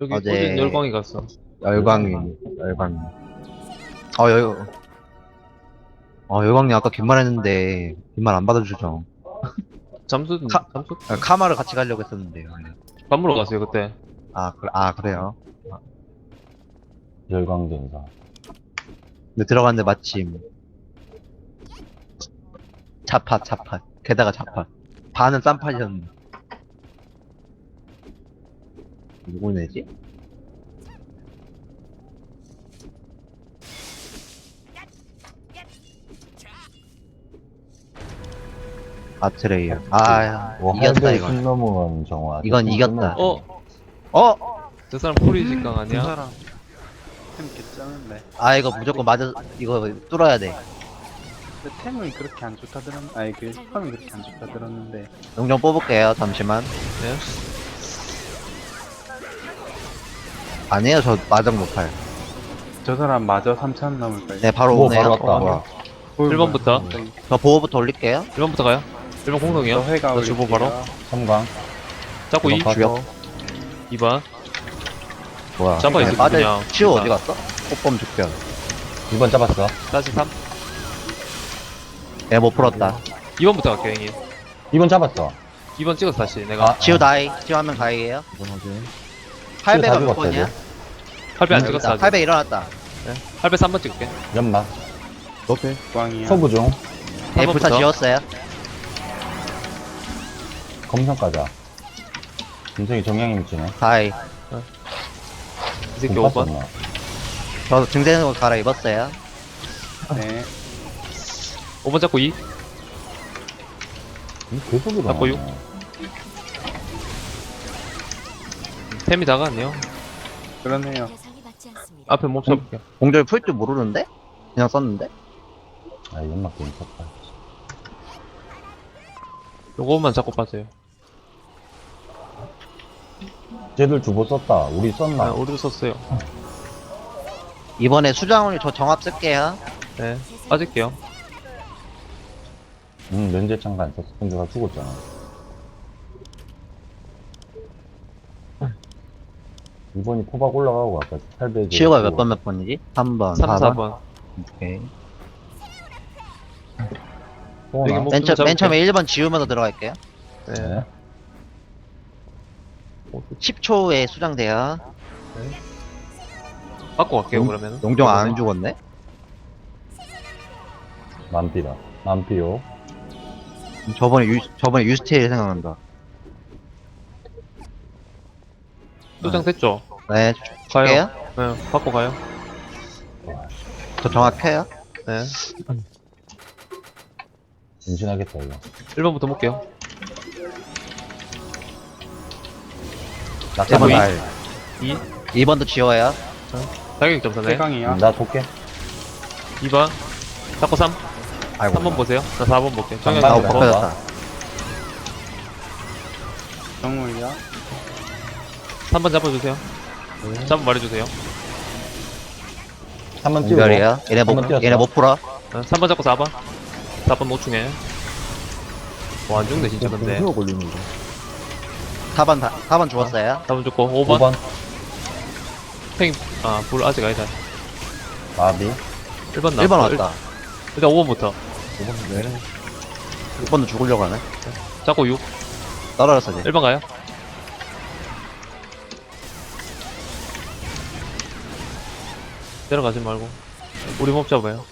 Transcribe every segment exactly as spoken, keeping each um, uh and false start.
여기 어제- 어제 열광이 갔어. 열광이, 열광이. 어, 열, 어, 열광이 아까 긴 말 했는데, 긴 말 안 받아주죠. 잠수 카- 잠수 아, 카마를 같이 가려고 했었는데요. 밥 먹으러 갔어요 그때. 아, 그, 아, 그래요? 열광대인가. 근데 들어갔는데 마침, 자팟, 자팟. 게다가 자팟. 반은 쌈팟이었는데. 누구 내지? 아트레이어. 아, 뭐 이겼다, 할배 이건. 십 넘으면 정화. 이건 이겼다. 어? 어? 저 사람 포리 직강 그 아니야? 사람 템 괜찮은데. 아, 이거 무조건 맞아, 이거 뚫어야 돼. 근데 템은 그렇게 안 좋다 들었. 아니 그 템이 그렇게 안 좋다 들었는데. 용정 뽑을게요, 잠시만. 네. 아니에요, 저 마정 못할. 저 사람 마저 삼천 넘을 거예요. 네, 바로 뭐 오네요. 바로 왔다. 어, 뭐야. 보이면 일 번부터. 저기 저 보호부터 올릴게요. 일 번부터 가요. 일 번 공성이요. 저 회가 나 주보 바로. 섬광. 잡고 이. 이번 주역. 이 번. 뭐야. 잡아 있어, 빠져, 그냥. 치우 그냥. 어디 갔어? 꽃범 죽변. 이 번 잡았어. 다시 삼. 얘 못 풀었다. 이 번부터 갈게요 형님. 이 번 잡았어. 이 번 찍었어 다시 내가. 아, 치우 다이. 치우 하면 다이에요. 팔 배가 몇 치우 다 번이야? 팔 배 안 찍었어 아직. 팔 배 일어났다. 네. 팔 배 삼 번 찍을게. 연막. 오케이. 광이야. 소부 중. 얘 번 불사 부터. 지웠어요. 검성 가자. 김성이 정량이 미치네. 다이. 이 새끼 오 번. 나 저 등생으로 갈아입었어요. 네. 오 번 잡고 이. 계속 일어나. 잡고 육. 템이 다가왔네요. 그러네요. 대상이 맞지 않습니다. 앞에 몹 잡을게요. 공절 풀 줄 모르는데? 그냥 썼는데? 아, 연막 괜찮다. 요거만 잡고 빠져요. 쟤들 주보 썼다. 우리 아, 썼나? 우리도 썼어요. 이번에 수장훈이 저 정합 쓸게요. 네. 빠질게요. 응, 면제창가 안 썼어. 근데 나 죽었잖아. 이번이 포박 올라가고 아까 팔백. 치우가 몇 번 몇 번이지? 삼 번, 삼, 사 사 번. 번. 오케이. 여기 뭐, 뭐- 맨, 처, 잡을게. 맨 처음에 일 번 지우면서 들어갈게요. 네. 네. 십 초에 수장돼요. 바꿔 갈게요 음, 그러면. 용정 안 죽었네? 만피다. 만피요. 저번에 유, 저번에 유스테일 생각난다. 소장 됐죠? 네, 가요. 줄게요. 네. 바꿔 가요. 저 정확해요. 네. 임신하겠다, 이거. 일 번부터 볼게요. 낙제번 이. 달. 이. 이 번도 지워요. 자격 점사네. 세강이야. 나 볼게. 이 번. 잡고 삼. 아이고. 삼 번 보세요. 나 사 번 볼게. 정현 아, 아, 이 번. 번. 벗겨졌다. 정물이야. 삼 번 잡아주세요. 잡아 말해주세요. 한 번 찍어. 공별이에요. 얘네 못, 한번 뛰었어. 얘네 못 풀어. 네. 삼 번 잡고 사 번. 사 번 노충해. 와, 안 죽네, 진짜, 근데. 사 번, 다, 사 번 죽었어요. 사 번 죽고, 오 오 번. 번. 팽, 아, 불 아직 아니다. 마비. 일 번 나. 일 번 왔다. 일단 오 번부터. 오 번. 네. 육 번도 죽으려고 하네. 잡고 육. 떨어졌어, 이제. 일 번 가요. 내려가지 말고. 우리 몹 잡아요.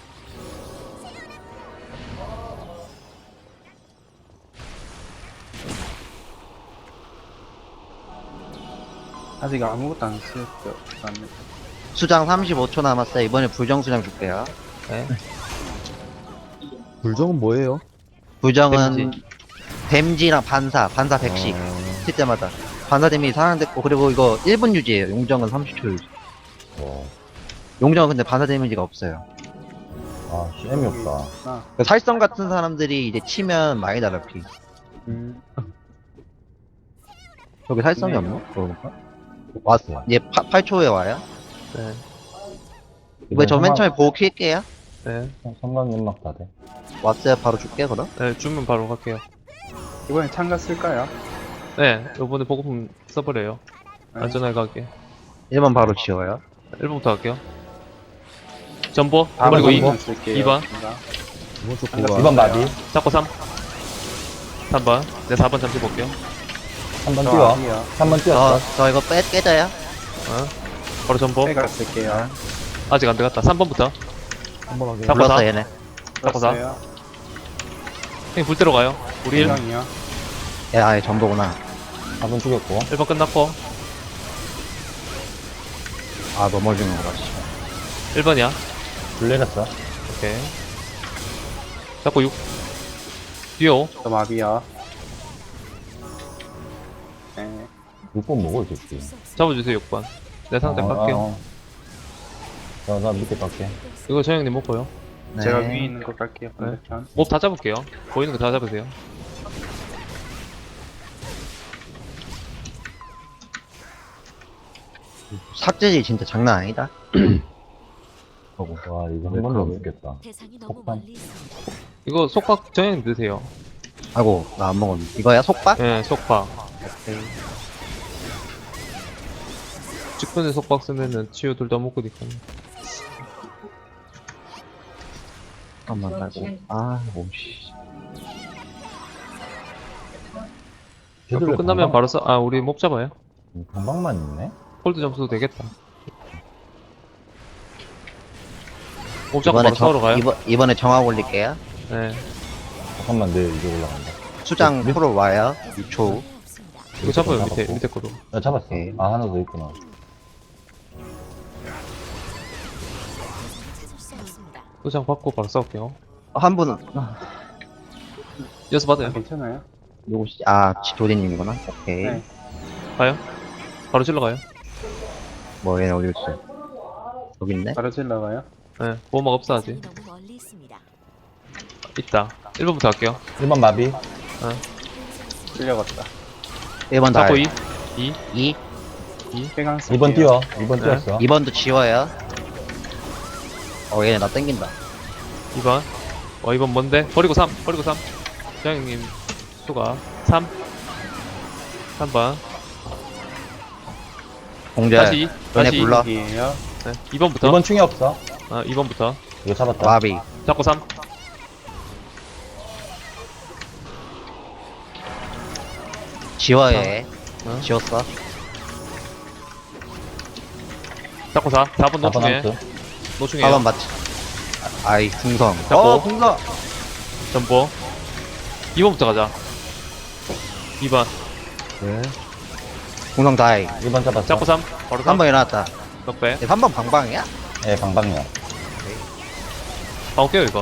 아직 아무것도 안 쓰였어. 맞네. 수장 삼십오 초 남았어요. 이번에 불정 수장 줄게요. 네. 불정은 뭐예요? 불정은 댐지. 댐지랑 반사, 반사 백씩 칠 때마다. 반사 데미지 상향됐고, 그리고 이거 일 분 유지예요. 용정은 삼십 초 유지. 어. 용정은 근데 반사 데미지가 없어요. 아, 쌤이 없다. 아. 그 살성 같은 사람들이 이제 치면 많이 달아, 피. 음. 저기 살성이 없나? 그러니까. 왔어. 얘 팔 초에 와요. 네. 이번에 저 맨 처음에 보고 킬게요. 네. 성광 연막 다 돼. 왔어요. 바로 줄게, 그럼. 네, 주면 바로 갈게요. 이번에 참가 쓸까요? 네, 요번에 보고품 써버려요. 네. 안전하게 가게. 일 번 바로 지워요. 일 번부터 갈게요. 전보, 아, 그리고 이, 이번 쓸게요. 이 번. 이번 쪽 이 번 마비. 잡고 삼. 삼 번. 네, 사 번 잠시 볼게요. 한 번 저 뛰어. 아비요. 삼 번 저, 뛰었어. 저 이거 빼, 깨져요? 어? 바로 전보. 빼가 쓸게요. 아직 안 들어갔다. 삼 번부터. 한번 하게. 잡고 불렀어, 사. 얘네. 잡고 사. 썼어요. 형님 불 때로 가요. 우리 일. 해강이요. 야, 아예 전보구나. 사 번 죽였고. 일 번 끝났고. 아, 넘어지는 거 같지. 일 번이야. 불 내렸어. 오케이. 잡고 육. 뛰어. 저 마비요. 네. 육 번 먹어, 이 새끼. 잡아주세요, 육 번. 내 상대 어, 깎게요. 어, 어. 자, 나 밑에 깎게. 이거 저 형님 먹고요. 네. 제가 위에 있는 거 갈게요. 반대편. 몹 다 잡을게요. 보이는 거 다 잡으세요. 삭제지 진짜 장난 아니다. 와, 이거 한 번도 못 죽겠다. 대상이 너무 폭탄. 멀리 있어. 이거 속박 저 형님 드세요. 아이고, 나 안 먹었네. 이거야, 속박? 예, 속박. 오케이. 직분에 속박 쓰면은 치유 둘 다 먹고 니까. 잠깐만, 말고. 아, 오씨. 앞으로 끝나면 바로 써. 아, 우리 몹 잡아요. 방방만 있네? 홀드 점수도 되겠다. 몹 잡고 이번에 바로 싸우러 가요. 이번, 이번에 정화 올릴게요. 네. 잠깐만, 내 이제 올라간다. 수장 밑- 프로 와요. 이 초. 없습니다. 이거 잡아요, 잡았고. 밑에, 밑에 거로. 야, 잡았어. 오케이. 아, 하나 더 있구나. 찾을 수 없습니다. 소장 받고 바로 싸울게요. 한 분은, 이어서 받아요. 괜찮아요? 누구시지? 아, 도디님이구나. 오케이. 네. 가요. 바로 질러 가요. 뭐, 얘네 어디 있어? 여기 있네? 바로 질러가요. 네. 보호막 없어, 아직. 대상이 너무 멀리 있습니다. 있다. 일 번부터 할게요. 일 번 마비. 쓸려갔다. 일 번 다. 잡고 이. 이. 이. 해강 쓸게요. 이 번 뛰어. 이 번 네. 뛰었어. 이 번도 지워요. 어, 얘네 나 땡긴다. 이 번. 어, 이 번 뭔데? 버리고 삼. 버리고 삼. 저 형님 수가. 삼. 삼 번. 공절. 다시 이. 너네 다시 이. 불러. 여기에요. 네. 이 번부터. 이 번 충이 없어. 아, 이 번부터. 이거 잡았다. 마비. 잡고 삼. 지워요, 얘. 어? 지웠어. 잡고 사. 사 번 사 번 노충해. 함수. 노충해요. 사 번 맞지. 아, 아이, 궁성. 잡고. 어, 궁성! 전보. 이 번부터 가자. 이 번. 네. 궁성 다이. 일 번 잡았어. 잡고 삼. 바로 한 삼. 번 일어났다. 넉배. 삼 번 방방이야? 예, 방방이야. 방어 깨요, 이거.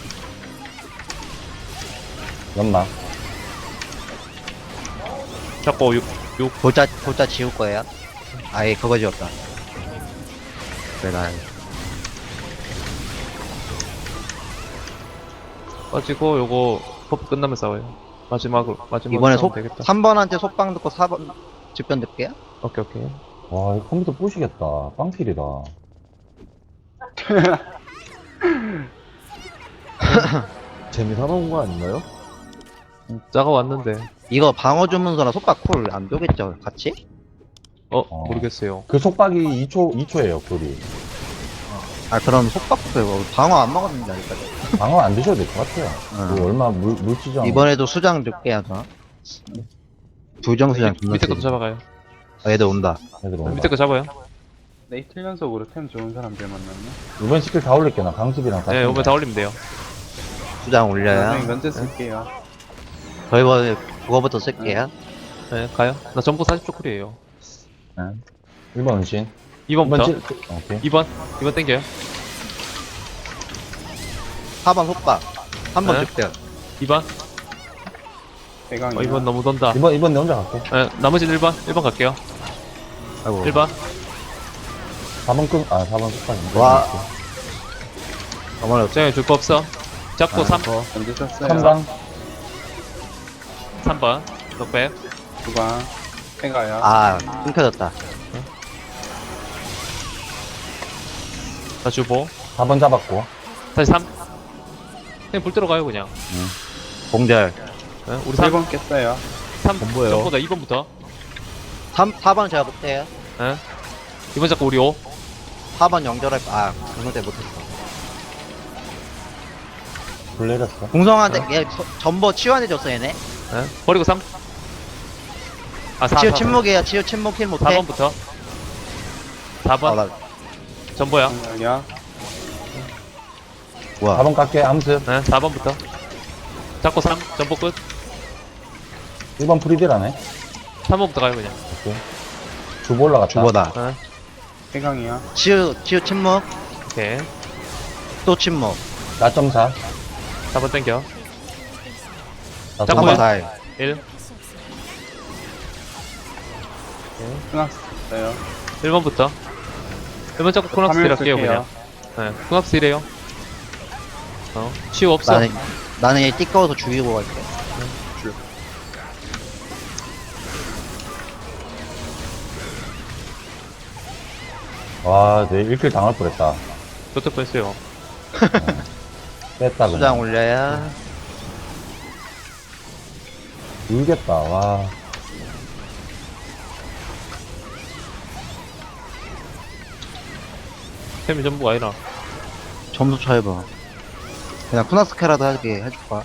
연막. 잡고 육. 육. 돌자, 돌자 지울 거예요. 아예 그거 지웠다. 그래, 나. 빠지고, 요거, 버프 끝나면 싸워요. 마지막으로, 마지막으로. 이번에 싸우면 속, 되겠다. 삼 번한테 속방 듣고 사 번 집변 듣게요? 오케이, 오케이. 와, 이 컴퓨터 부시겠다. 빵필이다. 재미삼아 온 거 아닌가요? 짜가 왔는데. 이거 방어 주문서나 속박 쿨 안 되겠죠? 같이? 어, 어. 모르겠어요. 그 속박이 이 초, 이 초예요, 쿨이. 아, 그럼 속박부터 이거 방어 안 먹었는데, 아직까지. 방어 안 드셔도 될 것 같아요. 응. 그 얼마 물, 물지정. 이번에도 수장 늦게 하자. 불정수장 존나 밑에 것도 세지. 잡아가요. 아, 얘들 온다. 애들 온다. 밑에 거 잡아요. 네, 이틀 연속으로 템 좋은 사람들 만났네. 이번 스킬 다 올릴게, 나 강습이랑 같이. 네, 오면 다 올리면 돼요. 수장 네, 올려요. 면제 쓸게요. 저 이번에 그거부터 쓸게요. 네, 가요. 나 전부 사십 초 쿨이에요. 일 번 은신. 이 일 번 번부터. 칠, 오케이. 이 번. 이 번 땡겨요. 사 번 속박. 삼 번 네. 집변. 이 번. 해강이요. 어, 이 번 너무 돈다. 이번, 이번 내 혼자 갈게. 네, 나머지는 일 번. 일 번 갈게요. 아이고. 일 번. 사 번 끈, 아, 사 번 속박. 와. 어머나, 쟤 줄거 없어. 잡고 삼. 면제 썼어요. 삼 방. 삼 번. 넉백. 두방 해가요. 아, 끊겨졌다. 다 주보. 사 번 잡았고. 다시 삼. 그냥 불 들어가요, 그냥. 공절. 네, 우리 삼. 일 번 깼어요. 삼. 전부예요. 전보다 이 번부터. 삼, 사 번 제가 못해요. 네. 이번 잡고 우리 오. 사 번 연결할, 아, 공성 때 못했어. 불 내렸어. 공성한테, 얘, 서- 전보 치유해줬어, 얘네. 예? 버리고 삼. 아, 사. 치유 사, 사. 침묵이에요, 치유 침묵 킬 못해. 사 번부터. 사 아, 번. 나, 전보야. 여기야. 뭐야. 사 번 깎게, 암습. 네, 사 번부터. 잡고 삼. 전보 끝. 일 번 프리딜하네. 삼 번부터 가요, 그냥. 주보 올라갔다. 주보다. 네. 해강이야. 치유, 치유 침묵, 오케이. 또 침묵. 사 점 사. 사 번 땡겨. 사 자, 점 뭐야? 한번 다해. 일. 끊었어요. 일 번부터. 일 번 잡고 코낙스 딜 할게요, 그냥. 네, 코낙스 딜해요. 어, 치유 없어. 나는, 나는 얘 띠꺼워서 죽이고 갈게. 와, 내 일 킬 당할 뻔했다. 저쪽 뺐어요. 뺐다, 수장 그냥. 올려야. 울겠다, 와. 템이 전부가 아니라. 점수 쳐해봐. 그냥 쿠나스케라도 하게 해줄까?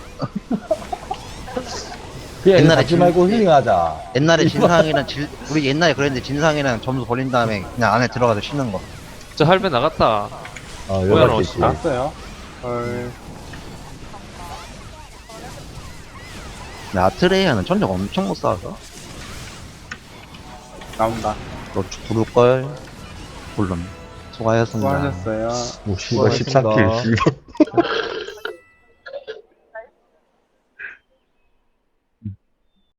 그냥 옛날에 잡지 진- 말고 힐링하자. 옛날에 진상이랑 질, 우리 옛날에 그랬는데 진상이랑 점수 벌린 다음에 그냥 안에 들어가서 쉬는 거. 저 할배 나갔다. 어, 뭐야, 여기 너 있지. 나왔어요. 헐. 근데 아트레이아는 전적 엄청 못 쌓아서. 나온다. 너 부를걸? 물론. 수고하셨습니다. 수고하셨어요. 오, 씨발, 십사 킬, 씨발.